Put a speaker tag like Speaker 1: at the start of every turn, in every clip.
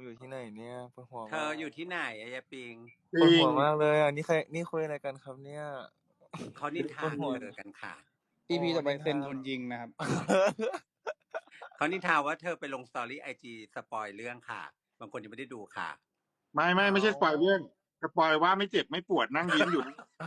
Speaker 1: อยู่ที่ไหนเนี่ยปวดหัว
Speaker 2: เธอ
Speaker 1: มาก
Speaker 2: อยู่ที่ไหนอะยายปิง
Speaker 1: ปวดหัวมากเลยอ่ะนี่คุยอะไรกันครับเนี่ย
Speaker 2: เขานิน
Speaker 1: ปว
Speaker 2: ทา
Speaker 1: ดหัว
Speaker 2: เธอกันค่ะ
Speaker 1: โอ้
Speaker 3: EP ต่อไป
Speaker 1: นินทา
Speaker 3: เซนโดนยิงนะครับ
Speaker 2: เขานินทาว่าเธอไปลงสตอรี่IGสปอยเรื่องค่ะ บางคนยังไม่ได้ดูค่ะ
Speaker 4: ไม่ใช่สปอยเรื่องสปอยว่าไม่เจ็บไม่ปวดนั่งยิ้มอยู่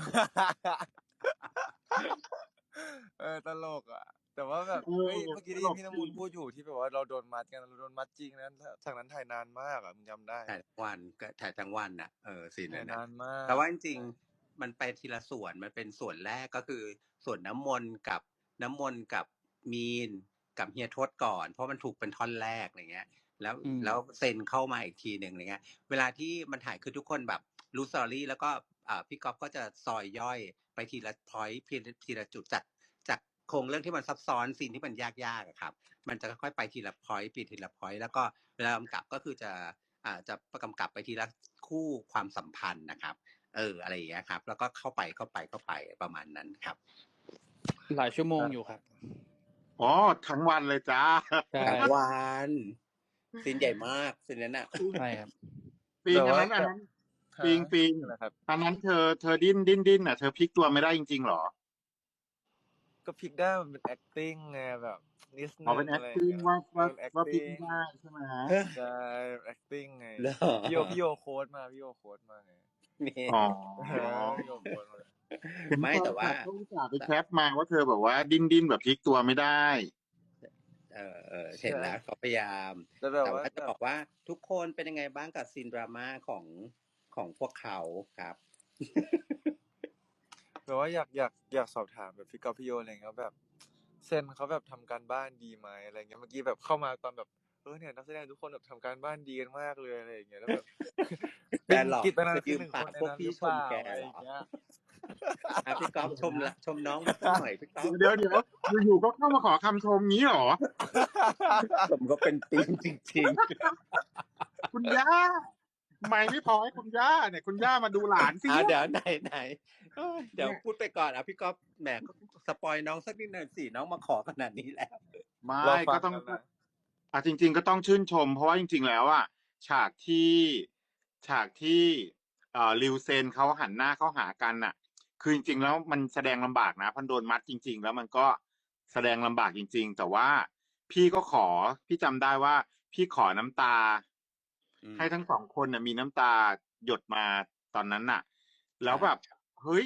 Speaker 1: ตลกอ่ะแต่ว่าแบบเฮ้ยเมื่อกี้ได้ยินพี่น้ำมูลพูดอยู่ที่แบบว่าเราโดนมัดกันเราโดนมัดจริงนะฉากนั้นถ่ายนานมากอ่ะมึงจำได้
Speaker 2: ถ่ายทั้งวันก็ถ่ายทั้งวันน่ะซีนนั้
Speaker 1: ถ่าย
Speaker 2: นน่ะ
Speaker 1: นานมาก
Speaker 2: แต่ว่าจริงๆมันไปทีละส่วนมันเป็นส่วนแรกก็คือส่วนน้ำมนต์กับมีนกับเฮียทศก่อนเพราะมันถูกเป็นท่อนแรกอะไรเงี้ยแล้วเซนเข้ามาอีกทีหนึ่งอะไรเงี้ยเวลาที่มันถ่ายคือทุกคนแบบรู้สตอรี่แล้วก็พี่ก๊อฟก็จะซอยย่อยไปทีละพอยต์ทีละจุดจากโครงเรื่องที่มันซับซ้อนซีนที่มันยากๆอะครับมันจะค่อยๆไปทีละพอยต์ทีละพอยต์แล้วก็เวลากำกับก็คือจะกำกับไปทีละคู่ความสัมพันธ์นะครับอะไรอย่างเงี้ยครับแล้วก็เข้าไปประมาณนั้นครับ
Speaker 3: หลายชั่วโมงอยู่ครับ
Speaker 4: อ๋อทั้งวันเลยจ้า
Speaker 2: ทั้งวันซีนใหญ่มากซีนนั้นน่ะ
Speaker 3: ใช่ครับ
Speaker 4: ปิงอันนั้นปิงอันนั้นเธอดิ้นอ่ะเธอพลิกตัวไม่ได้จริงๆหรอ
Speaker 1: ก็พลิกได้มันเป็น acting ไงแบบนิดนึง
Speaker 4: เป็น acting ว่าพลิกไม่ได้ใช่ไหม
Speaker 1: ใช่ acting ไงพี่โยโค้ดมาไง
Speaker 4: อ๋อ
Speaker 1: พี่โยโค้ดมา
Speaker 2: ไม่แต่ว่า
Speaker 4: ต้องจ่าไปแคปมาว่าเธอแบบว่าดิ้นแบบพลิกตัวไม่ได้
Speaker 2: เห็นแล้วเขาพยายามแต่ว่าจะบอกว่าทุกคนเป็นยังไงบ้างกับซีนดราม่าของพวกเขาครับ
Speaker 1: แบบว่าอยากสอบถามแบบพี่กอล์ฟพี่โยอะไรเงี้ยแบบเซนเขาแบบทำการบ้านดีไหมอะไรเงี้ยเมื่อกี้แบบเข้ามาตอนแบบเนี่ยนักแสดงทุกคนแบบทำการบ้านดีกันมากเลยอะไรอย่างเงี้ยแล้วแบบ
Speaker 2: แต่หลอก
Speaker 1: กิจนา
Speaker 2: ยืมปากพวกพี่ชมแกเหรอพี่ก๊อฟชมน้องมาหน่อยพี่ก๊อฟ
Speaker 4: เดี๋ยวอยู่ก็เข้ามาขอคำชมงี้หรอ
Speaker 2: ผมก็เป็นปีนจริง
Speaker 4: ๆคุณย่าไม่พอให้คุณย่าเนี่ยคุณย่ามาดูหลานสิ
Speaker 2: เดี๋ยวไหนเดี๋ยวพูดไปก่อนพี่ก๊อฟแหมก็สปอยน้องสักนิดหน่อยสิน้องมาขอขนาดนี้แล้ว
Speaker 4: ไม่ก็ต้องจริงๆก็ต้องชื่นชมเพราะว่าจริงๆแล้วอ่ะฉากที่ริวเซนเขาหันหน้าเข้าหากันน่ะคือจริงๆแล้วมันแสดงลำบากนะพันโดนมัดจริงๆแล้วมันก็แสดงลำบากจริงๆแต่ว่าพี่จำได้ว่าพี่ขอน้ำตาให้ทั้งสองคนน่ะมีน้ำตาหยดมาตอนนั้นน่ะแล้วแบบเฮ้ย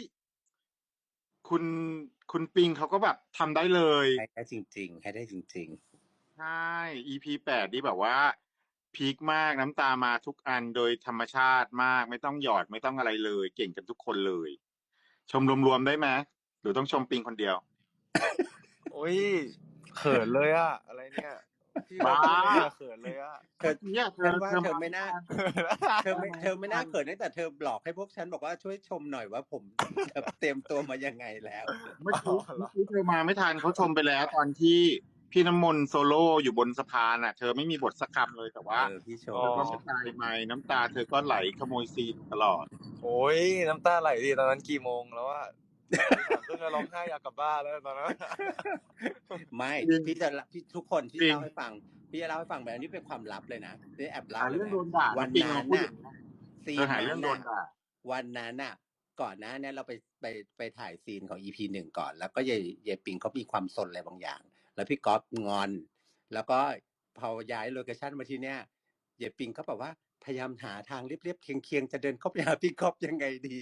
Speaker 4: คุณปิงเขาก็แบบทำได้เลย
Speaker 2: ให้ได้จริง
Speaker 4: ใช่ EP 8นี่แบบว่าพีคมากน้ำตามาทุกอันโดยธรรมชาติมากไม่ต้องหยอดไม่ต้องอะไรเลยเก่งกันทุกคนเลยชมรวมๆได้ไหมหรือต้องชมปิงคนเดียว
Speaker 1: โอ้ยเขินเลยอะอะไรเนี่ยพี่บ้าเขินเลยอะ
Speaker 2: เธอไม่น่าเธอไม่น่าเขินตั้งแต่เธอบอกให้พวกฉันบอกว่าช่วยชมหน่อยว่าผมเตรียมตัวมายังไงแล้ว
Speaker 4: เมื่อกี้เธอมาไม่ทันเขาชมไปแล้วตอนที่พี่น้ำมนต์โซโล่อยู่บนสะพานน่ะเธอไม่มีบทสักคำเลยแต่ว่า
Speaker 2: พี่ชม
Speaker 4: ก็ไม่ตายไม่น้ำตาเธอก็ไหลขโมยซีนตลอด
Speaker 1: โอ้ยน้ำตาไหลดิตอนนั้นกี่โมงแล้วอะเพิ่งจะร้องไห้อยากกลับบ้านแล้วตอนนั้น
Speaker 2: ไม่พี่ทุกคนที่เล่าให้ฟังพี่จะเล่าให้ฟังแบบนี้เป็นความลับเลยนะนี่แอบเล่าเลยนะวันนั้นน่ะซีนนั้นน่ะวันนั้นน่ะก่อนหน้านี้เราไปถ่ายซีนของ EP 1ก่อนแล้วก็เยปิงเขามีความสนอะไรบางอย่างแล้วพี่ก๊อฟงอนแล้วก็พอย้ายโลเคชั่นมาที่เนี้ยเยปิงเขาแบบว่าพยายามหาทางเรียบๆเคียงๆจะเดินเข้าไปหาพี่ก๊อฟยังไงดี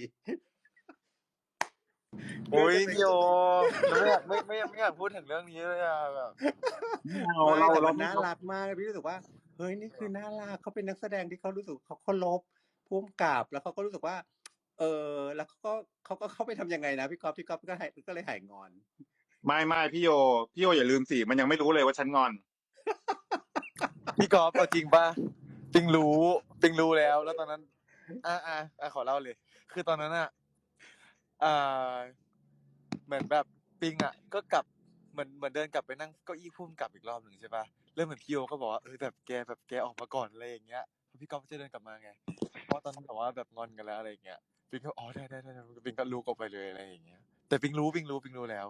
Speaker 1: โอ้ยพี่โอไม่อยากพูดถึงเรื่องนี้เลยอะแบบ
Speaker 2: เราน่ารักมากพี่รู้สึกว่าเฮ้ยนี่คือน่ารักเขาเป็นนักแสดงที่เขารู้สึกเขาเคารพผู้กำกับแล้วเขาก็รู้สึกว่าแล้วเขาก็เข้าไปทำยังไงนะพี่ก๊อฟก็เลยหายงอน
Speaker 4: ไม่พี่โยอย่าลืมสิมันยังไม่รู้เลยว่าฉันงอน
Speaker 1: พี่กอล์ฟเอาจริงป่ะปิงรู้แล้วตอนนั้นขอเล่าเลยคือตอนนั้นอะเหมือนแบบปิงอะก็กลับเหมือนเดินกลับไปนั่งเก้าอี้พุ่มกลับอีกรอบหนึ่งใช่ป่ะเริ่มเหมือนพี่โยก็บอกว่าแบบแกออกมาก่อนอะไรอย่างเงี้ยพี่กอล์ฟจะเดินกลับมาไงเพราะตอนนั้นแบบว่าแบบงอนกันแล้วอะไรอย่างเงี้ยปิงก็ได้ปิงก็ลุกออกไปเลยอะไรอย่างเงี้ยแต่ปิงรู้แล้ว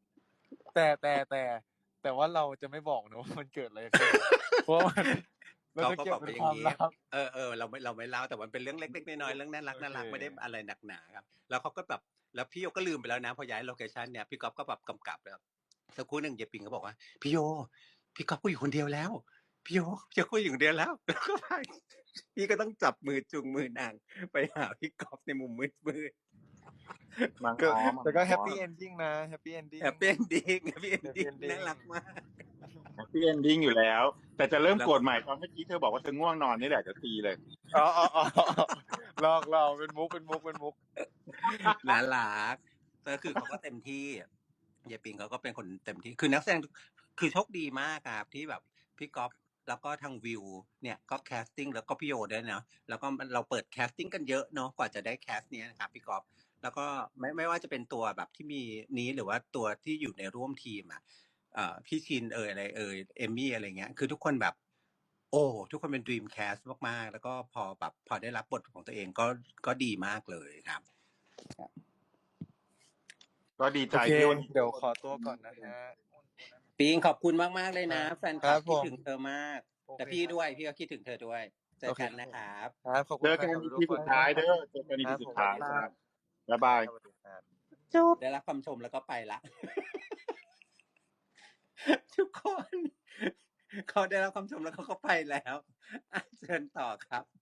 Speaker 1: แต่ว่าเราจะไม่บอกนะว่ามันเกิดอะไรขึ้นเพราะเรา
Speaker 2: เขา
Speaker 1: จะ
Speaker 2: ก็
Speaker 1: เก็
Speaker 2: บบ อก
Speaker 1: เป็
Speaker 2: ไป
Speaker 1: น
Speaker 2: อ
Speaker 1: ค
Speaker 2: ย่าง
Speaker 1: วาม
Speaker 2: งี้
Speaker 1: ลับ
Speaker 2: เราไม่เล่าแต่มันเป็นเรื่องเล็กๆน้อยๆเรื่องน่ารัก
Speaker 1: โอเค
Speaker 2: ๆไม่ได้อะไรหนักหนาครับแล้วเขาก็แบบแล้วพี่โยก็ลืมไปแล้วนะพอย้ายโลเคชันเนี่ยพี่ก๊อฟก็แบบกำกับแล้วสักครู่หนึ่งเยปิงก็บอกว่าพี่โยพี่ก๊อฟก็อยู่คนเดียวแล้วพี่โยก็อยู่คนเดียวแล้วแล้วก็ไปพี่ก็ต้องจับมือจูงมือนางไปหาพี่ก๊อฟในมุมมืด
Speaker 4: มัง
Speaker 1: ก็
Speaker 4: อ้อม
Speaker 1: แต่ก็แฮปปี้เอนดิ้งนะแฮปปี้เอนดิ้ง
Speaker 2: แฮปปี้เอนดิ้ง
Speaker 1: Happy ending
Speaker 2: น่ารักมาก
Speaker 4: แฮปปี้เอนดิ้งอยู่แล้ว แต่จะเริ่ม
Speaker 2: แล้ว
Speaker 4: โกรธใหม่ตอนเมื่อกี้เธอบอกว่าเธอง่วงนอนนี่แหละจะตีเลย
Speaker 1: อ๋อลอกเป็นมุก
Speaker 2: น่ารักก็คือเขาก็เต็มที่เยปิงเขาก็เป็นคนเต็มที่คือนักแสดงคือโชคดีมากครับที่แบบพี่ก๊อฟแล้วก็ทางวิวเนี่ยก็แคสติ้งแล้วก็พี่โยด้วยเนาะแล้วก็เราเปิดแคสติ้งกันเยอะเนาะกว่าจะได้แคสเนี้ยนะครับพี่ก๊อฟแล้วก็ไม่ว่าจะเป็นตัวแบบที่มีนี้หรือว่าตัวที่อยู่ในร่วมทีมอ่ะพี่ชินอะไรเอมมี่อะไรเงี้ยคือทุกคนแบบโอ้ทุกคนเป็น Dream Cast มากๆแล้วก็พอได้รับบทของตัวเองก็ดีมากเลยครับ
Speaker 4: ก็ดีใจ
Speaker 1: โอเค
Speaker 4: ที่วันนี้
Speaker 1: เดี๋ยวขอตัวก่อนนะฮะ
Speaker 2: ปิงขอบคุณมากๆเลยนะ
Speaker 1: ครับ
Speaker 2: แฟนคลับ
Speaker 1: ครับ
Speaker 2: คิด
Speaker 1: ผม
Speaker 2: ถึงเธอมาก
Speaker 1: โอเค
Speaker 2: แต่พี่ด้วยพี่ก็คิดถึงเธอด้วยเจอกันนะครับ
Speaker 1: ครับขอบคุ
Speaker 4: เจ
Speaker 1: ณ
Speaker 4: อ
Speaker 1: แฟ
Speaker 4: กัน
Speaker 1: นคลับ
Speaker 4: EP
Speaker 1: ทุกค
Speaker 4: สุ
Speaker 1: น
Speaker 4: ดท้ายเด้อเจอกัน EP
Speaker 1: ครับ
Speaker 4: สุดท้ายครับบ๊ายบาย
Speaker 1: สวัสดีครับ
Speaker 2: ได้รับคำชมแล้วก็ไปละ ทุกคนเขาได้รับคำชมแล้วเขาก็ไปแล้วเชิญต่อครับ